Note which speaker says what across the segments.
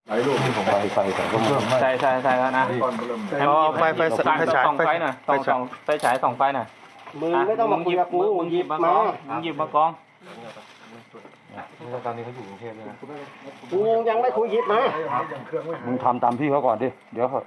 Speaker 1: ไอ้ลูกของไฟแต่ก็เพิ่มไม่
Speaker 2: ใช่แล้วนะ
Speaker 3: ไฟฉาย
Speaker 2: ส่องไฟหน่อยส่องไฟฉายส่องไฟหน่อย
Speaker 4: มึงไม่ต้องมาคุยกับกู
Speaker 2: มึงหยิบมากองมึงหยิบมากอง
Speaker 1: ตอนนี้เขาอยู่กรุงเทพเลยนะ
Speaker 4: กูยังไม่คุยหยิบมา
Speaker 1: มึงทำตามพี่เขาก่อนดิเดี๋ยวเขา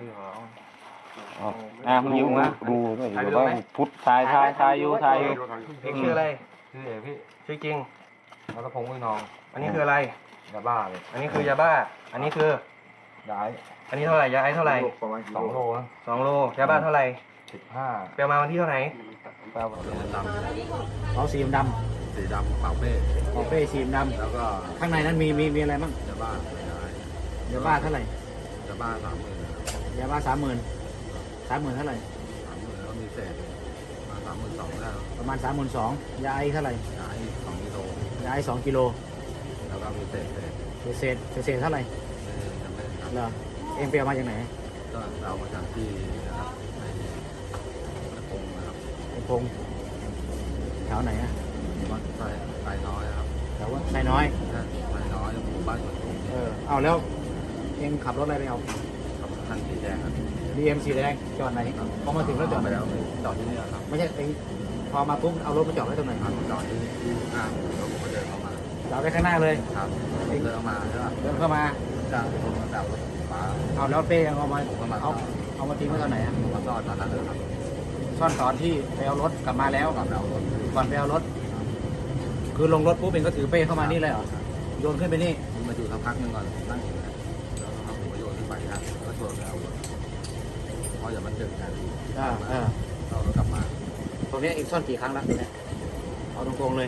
Speaker 2: มึงหยิบมา
Speaker 1: ดูด้วยเดี๋ยวว่าพุทธ
Speaker 2: ถ่ายอยู่
Speaker 4: เอกชื่ออะไร
Speaker 1: ชื่อเอ๋พี่
Speaker 4: ชื่อจริง
Speaker 1: แล้วก็พงษ์ไว้นอง
Speaker 4: อันนี้คืออะไร
Speaker 1: ยาบ้าเลย
Speaker 4: อันนี้คือยาบ้า อันนี้คือ
Speaker 1: ย้าย
Speaker 4: อันนี้เท่าไหร่ยาไอซ์เท่าไหร่
Speaker 1: 2 โลนะ
Speaker 4: 2 โลยาบ้าเท่าไหร่
Speaker 1: 15
Speaker 4: ไปเอามาวันที่เท่าไหร่
Speaker 1: แป้วดำ
Speaker 3: เอาสีด
Speaker 1: สีดำเป่าเป้
Speaker 3: ำของเป้สีด
Speaker 1: แล้วก็
Speaker 3: ำข้างในนั้นมีอะไรบ้าง
Speaker 1: ยาบ้าย้าย
Speaker 3: ยาบ้าเท่าไหร่
Speaker 1: ยาบ้า30,000
Speaker 3: ยาบ้า30,000เท่าไหร่
Speaker 1: 30,000แล้วมีเศษมา32,000แล้ว
Speaker 3: ประมาณ32,000ยาไอเท่าไหร่
Speaker 1: ย้าย2 กิโล
Speaker 3: ยาไอ2 กิโล
Speaker 1: แล้วก็มีเศษ
Speaker 3: เศษเท่าไหร่
Speaker 1: จำไม่ได้ครับ
Speaker 3: เหรอเอ็งไปเอามาจากไหน
Speaker 1: ก็เอามาจากที่นะครับในพงนะครับ
Speaker 3: ไอ้พงแถวไหนอะ
Speaker 1: วัดไซน้อยครับ
Speaker 3: แถวว่าไซน้อย
Speaker 1: ไซน้อยหมู่บ้านสวนตุง
Speaker 3: เอาแล้วเอ็งขับรถอะไรไปเอา
Speaker 1: กับท่านสีแดงครับ
Speaker 3: BM สีแดงจอดไหนพอมาถึงแล้วจอด
Speaker 1: ไป
Speaker 3: ไหน
Speaker 1: แล้วจอดที่นี่ครับ
Speaker 3: ไม่ใช่เอ็งพอมาปุ๊บเอารถมาจอดไว้ตรงไหน
Speaker 1: จอดที่ข้างแล้วผมก็เดินเข้ามา
Speaker 3: จอดไว้ข้างหน้าเลย
Speaker 1: ครับเดินเข้ามาใช่ป่ะ
Speaker 3: เดินเข้ามา
Speaker 1: จากผมมาจากรถฟ้า
Speaker 3: เอาแล้วเป้ยังเอามาเอามาทิ้งไว้ตอนไหนอะ
Speaker 1: ผมก็จอดตอนนั้นเลยครับ
Speaker 3: ซ่อนตอนที่ไปเอารถกลับมาแล้ว
Speaker 1: ก่อนเอารถ
Speaker 3: ก่อนไปเอารถ คือลงรถปุ๊บเองก็ถือเป้เข้ามานี่เลยเหรอโยนขึ้นไปนี่
Speaker 1: ผมมาอยู่สักพักหนึงก่อนนั่งอยู่นะแล้วก็ผมก็โยนขึ้นไปนะก็ชวนไปเอารถเพราะอย่ามันดึกนะ เรากลับมา
Speaker 3: ตรงนี้เองซ่อนกี่ครั้งแล้วเนี่ยเอาตรงๆเลย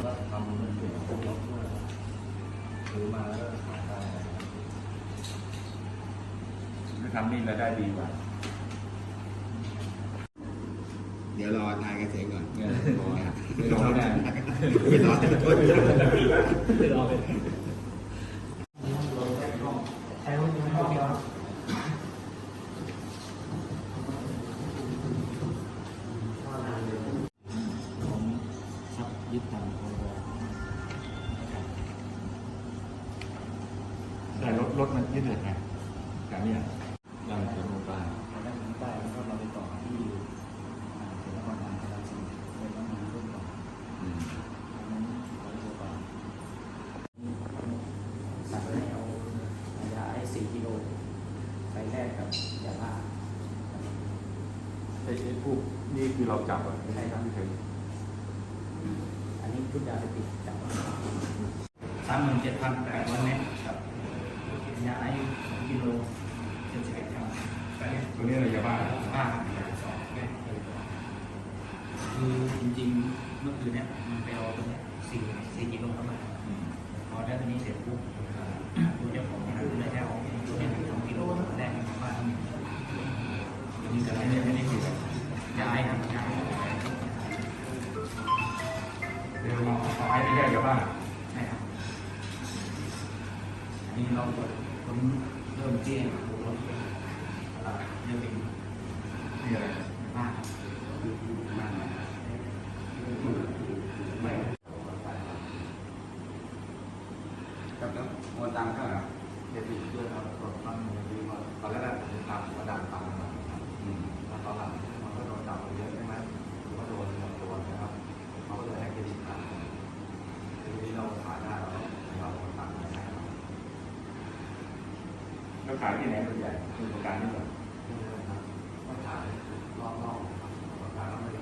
Speaker 1: ทำนี่แล้วได้ดีกว่า
Speaker 5: เดี๋ยวรอนายเกษตรก่อน
Speaker 1: ไม่รอไม่ได้
Speaker 5: ไม่รอเลย
Speaker 3: ซับยึดตามพรบ
Speaker 1: แต่รถมันยืดเหยียดไงแต่เนี่ยเราจะลงไป
Speaker 3: แล้วถึงใต้แล้วก็เราไปต่อที่เขตนครบาลราชบุรีไปประมาณรุ่นก่อนนั้น100 กว่าสั่งให้เอายาไอ4 กิโลไปแลกกับยาบ้า
Speaker 1: ไอ้ผู้นี่คือเราจับอ่ะไม่ใช่ครับพี่เคย
Speaker 3: อันนี้ชุดยาเสพติดจับ37,800 เมตรครับยาไอ2 กิโล71 กรัม
Speaker 1: ตัวนี้อะไรยาบ้า
Speaker 3: คือจริงๆเมื่อคืนเนี้ยมันไปเอาตรงเนี้ย4 กิโลเข้ามาพอได้ตรงนี้เสร็จปุ๊บดูเจ้าของร้านเลยจะเอาตัวเนี้ย2 กิโลแรกกับบ้านมีแต่ไม่ได้คือยาไอครับยาไอ
Speaker 1: เดี๋ยวเราเอาไอ้ไม่ใช่ยาบ้า
Speaker 3: ใช่ครับอันนี้เราคนเริ่มเจี้ยรถเริ่มเป็น
Speaker 1: นี่อะไร
Speaker 3: บ้านบ้าน
Speaker 1: ครับแล้วโอนตังค์เท่าไหร่ครับเดี๋ยวด้วยครับตอนตั้งดีว่าตอนแรกผมทำกระดานตังค์มาแล้วตอนหลังมันก็โดนจับไปเยอะใช่ไหมหรือว่าโดนตัวนะครับเขาก็เลยให้เครดิตขาดทีนี้เราขายได้เราโอนตังค์ได้ครับแล้วขายที่ไหนส่วนใหญ่คือประกันนี่เหรอก็ขายรอบๆประกันแล้วไม่ได้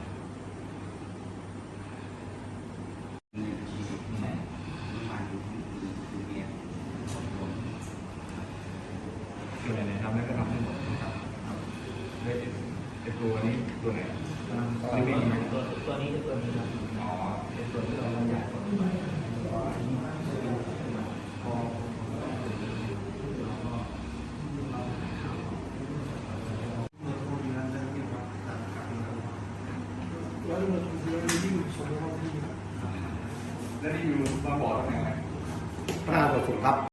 Speaker 1: ส่วนไหนทำได้ก็ทำให้หมดนะครับได้เป็นตัวนี้ตัวไหนไม่มี
Speaker 3: ตัวนี้คือตัวนี้ครับ
Speaker 1: อ๋อ
Speaker 3: เป็นตัวที่เราบรรยายก่อนพอ
Speaker 1: แล้วนี่อยู่มาบอกตำแหน่งไหน
Speaker 5: พระราชสุครับ